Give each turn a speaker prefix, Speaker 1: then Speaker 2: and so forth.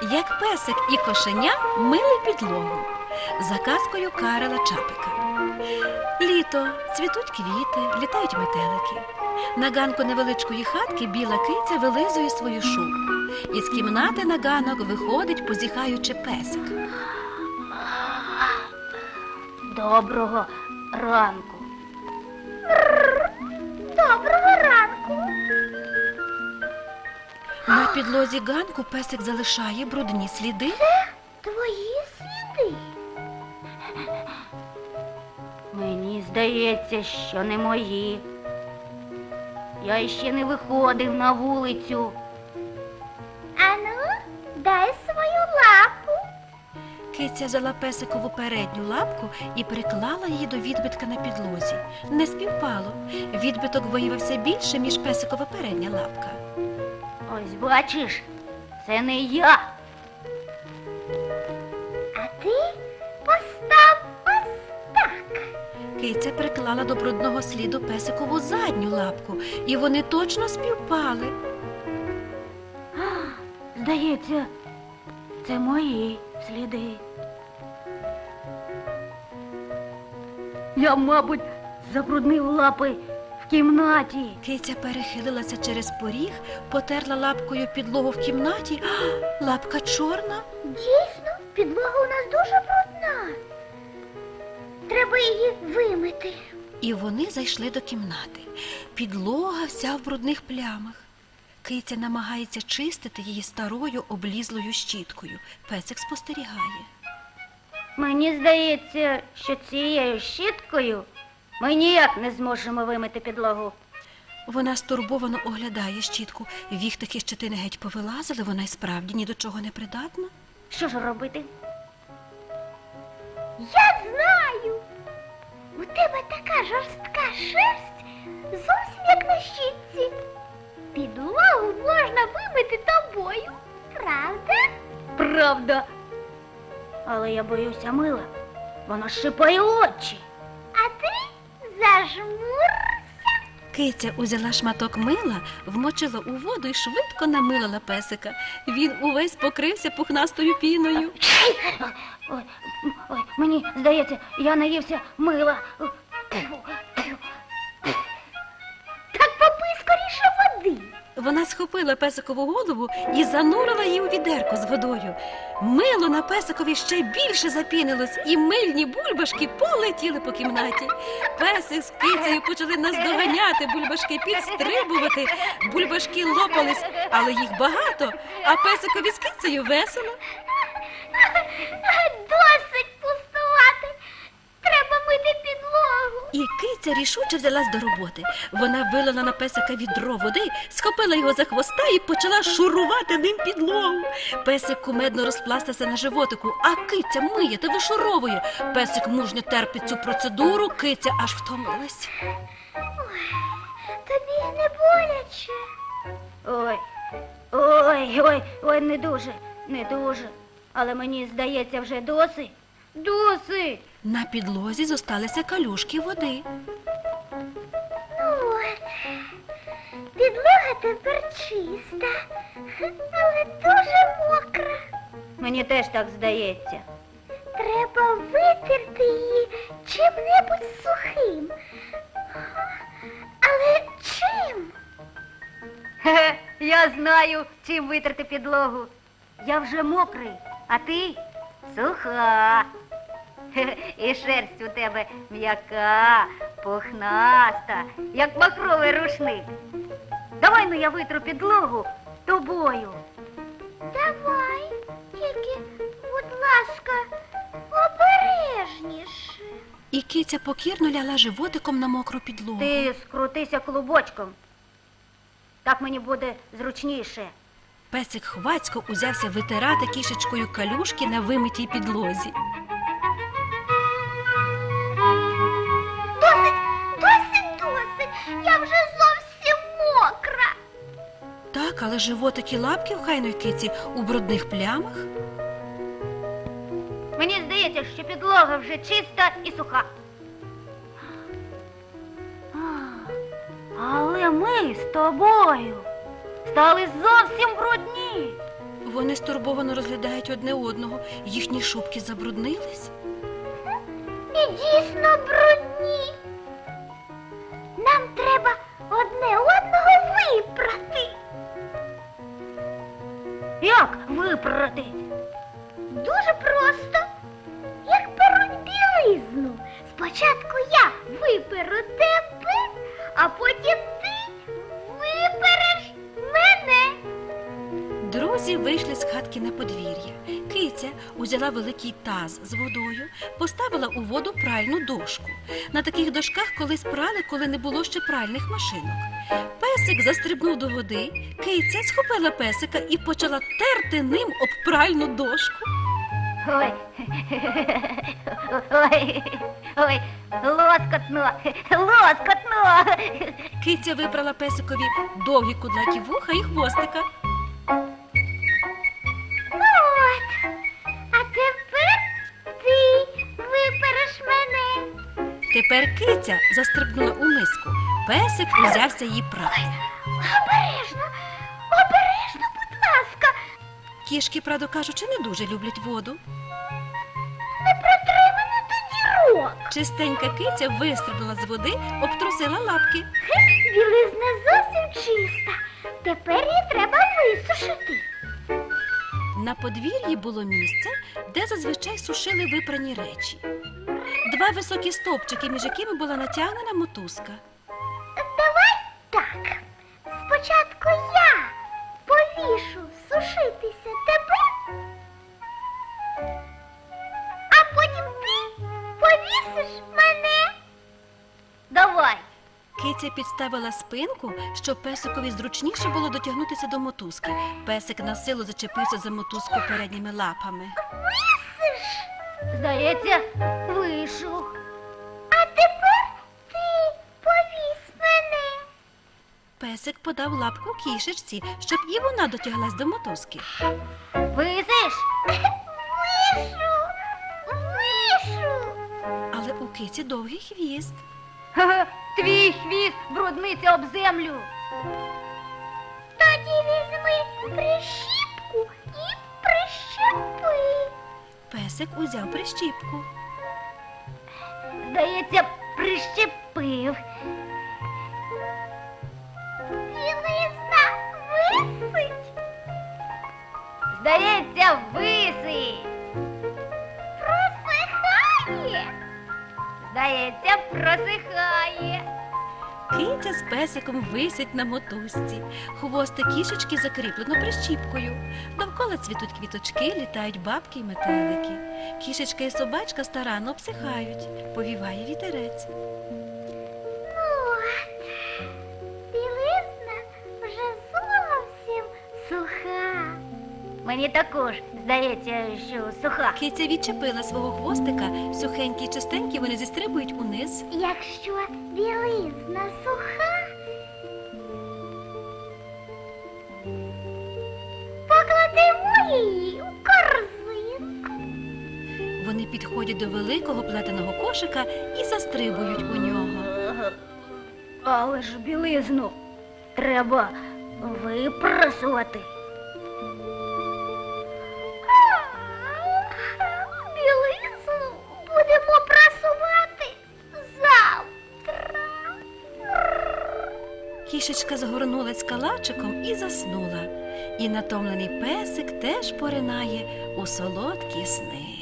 Speaker 1: Як песик і кошеня мили підлогу за казкою Карла Чапика. Літо, цвітуть квіти, літають метелики. На ганку невеличкої хатки біла киця вилизує свою шубку. Із кімнати на ганок виходить, позіхаючи, песик.
Speaker 2: Доброго ранку.
Speaker 3: Доброго ранку.
Speaker 1: На підлозі ганку песик залишає брудні сліди.
Speaker 3: Твої сліди.
Speaker 2: Мені здається, що не мої. Я ще не виходив на вулицю.
Speaker 3: Ану, дай свою лапу.
Speaker 1: Киця взяла песикову передню лапку і приклала її до відбитка на підлозі. Не співпало. Відбиток виявився більше, ніж песикова передня лапка.
Speaker 2: Ось бачиш, це не я.
Speaker 3: А ти постав ось так.
Speaker 1: Киця приклала до брудного сліду песикову задню лапку, і вони точно співпали.
Speaker 2: Здається, це мої сліди. Я, мабуть, забруднив лапи в кімнаті.
Speaker 1: Киця перехилилася через поріг, потерла лапкою підлогу в кімнаті. Лапка чорна.
Speaker 3: Дійсно, підлога у нас дуже брудна. Треба її вимити.
Speaker 1: І вони зайшли до кімнати. Підлога вся в брудних плямах. Киця намагається чистити її старою облізлою щіткою. Песик спостерігає.
Speaker 2: Мені здається, що цією щіткою ми ніяк не зможемо вимити підлогу.
Speaker 1: Вона стурбовано оглядає щітку. Віхтики щетини геть повилазили, вона й справді ні до чого не придатна.
Speaker 2: Що ж робити?
Speaker 3: Я знаю. У тебе така жорстка шерсть, зовсім як на щітці. Підлогу можна вимити тобою, правда?
Speaker 2: Правда. Але я боюся мила. Воно шипає очі.
Speaker 3: А ти зажмурся.
Speaker 1: Киця узяла шматок мила, вмочила у воду і швидко намилила песика. Він увесь покрився пухнастою піною.
Speaker 2: Ой, мені здається, я наївся мила.
Speaker 3: Так попий скоріше води.
Speaker 1: Вона схопила песикову голову і занурила її у відерко з водою. Мило на песикові ще більше запінилось, і мильні бульбашки полетіли по кімнаті. Песик з кицею почали наздоганяти, бульбашки підстрибувати. Бульбашки лопались, але їх багато, а песикові з кицею весело.
Speaker 3: Досить пустувати. Треба мити підлогу.
Speaker 1: І киця рішуче взялась до роботи. Вона вилила на песика відро води, схопила його за хвоста і почала шурувати ним підлогу. Песик кумедно розпластався на животику, а киця миє та вишуровує. Песик мужньо терпить цю процедуру, киця аж втомилась.
Speaker 3: Тобі не боляче.
Speaker 2: Ой, не дуже. Але мені здається, вже досить. Досить.
Speaker 1: На підлозі зосталися калюшки води.
Speaker 3: От, підлога тепер чиста, але дуже мокра.
Speaker 2: Мені теж так здається.
Speaker 3: Треба витерти її чим-небудь сухим. Але чим?
Speaker 2: Я знаю, чим витерти підлогу. Я вже мокрий, а ти суха. І шерсть у тебе м'яка, пухнаста, як махровий рушник. Давай, ну, я витру підлогу тобою.
Speaker 3: Давай, тільки, будь ласка, обережніше.
Speaker 1: І киця покірно ляла животиком на мокру підлогу.
Speaker 2: Ти скрутися клубочком. Так мені буде зручніше.
Speaker 1: Песик хвацько узявся витирати кішечкою калюшки на вимитій підлозі.
Speaker 3: Досить, я вже зовсім мокра.
Speaker 1: Так, але животик і лапки в хайної киці у брудних плямах.
Speaker 2: Мені здається, що підлога вже чиста і суха. Але ми з тобою стали зовсім брудні.
Speaker 1: Вони стурбовано розглядають одне одного. Їхні шубки забруднились.
Speaker 3: І дійсно брудні. Нам треба одне одного випрати.
Speaker 2: Як випрати?
Speaker 3: Дуже просто. Як перуть білизну. Спочатку я виперу тебе, а потім ти випереш мене.
Speaker 1: Друзі вийшли з хатки на подвір'я. Киця узяла великий таз з водою, поставила у воду пральну дошку. На таких дошках колись прали, коли не було ще пральних машинок. Песик застрибнув до води, киця схопила песика і почала терти ним об пральну дошку.
Speaker 2: Ой, ой, ой, лоскотно, лоскотно.
Speaker 1: Киця вибрала песикові довгі кудлаті вуха і хвостика.
Speaker 3: Ну от, а тепер ти випереш мене.
Speaker 1: Тепер киця застрибнула у миску. Песик узявся її прати.
Speaker 3: Обережно, обережно, будь ласка.
Speaker 1: Кішки, правду кажучи, не дуже люблять воду.
Speaker 3: Не протри мене до дірок.
Speaker 1: Чистенька киця вистрибнула з води, обтрусила лапки.
Speaker 3: Білизна зовсім чиста. Тепер її треба висушити.
Speaker 1: На подвір'ї було місце, де зазвичай сушили випрані речі. Два високі стовпчики, між якими була натягнена мотузка.
Speaker 3: Давай так. Спочатку я повішу сушитися тебе, а потім ти повісиш мене.
Speaker 2: Давай.
Speaker 1: Киця підставила спинку, щоб песикові зручніше було дотягнутися до мотузки. Песик на силу зачепився за мотузку передніми лапами.
Speaker 3: Висиш.
Speaker 2: Здається, вийшов.
Speaker 3: А тепер ти повісь мене.
Speaker 1: Песик подав лапку кішечці, щоб і вона дотяглась до мотузки.
Speaker 2: Висиш?
Speaker 3: Вишу. Вишу.
Speaker 1: Але у киці довгий хвіст.
Speaker 2: Ха-ха, твій хвіст брудниться об землю.
Speaker 3: Тоді візьми прищіпку і прищепи.
Speaker 1: Песик узяв прищіпку.
Speaker 2: Здається, прищепив.
Speaker 3: Білизна висить.
Speaker 2: Здається, висить.
Speaker 3: Просихає.
Speaker 2: Здається, просихає.
Speaker 1: Киця з песиком висять на мотузці. Хвостик кішечки закріплено прищіпкою. Довкола цвітуть квіточки, літають бабки й метелики. Кішечка і собачка старанно обсихають. Повіває вітерець.
Speaker 3: От, білизна вже зовсім суха.
Speaker 2: Мені також здається, що суха.
Speaker 1: Киця відчепила свого хвостика. Сухенькі й чистенькі вони зістрибують униз.
Speaker 3: Якщо білизна суха, покладемо її у корзинку.
Speaker 1: Вони підходять до великого плетеного кошика і застрибують у нього.
Speaker 2: Але ж білизну треба випрасувати.
Speaker 3: Білизну будемо прасувати завтра.
Speaker 1: Кішечка загорнулась калачиком і заснула. І натомлений песик теж поринає у солодкі сни.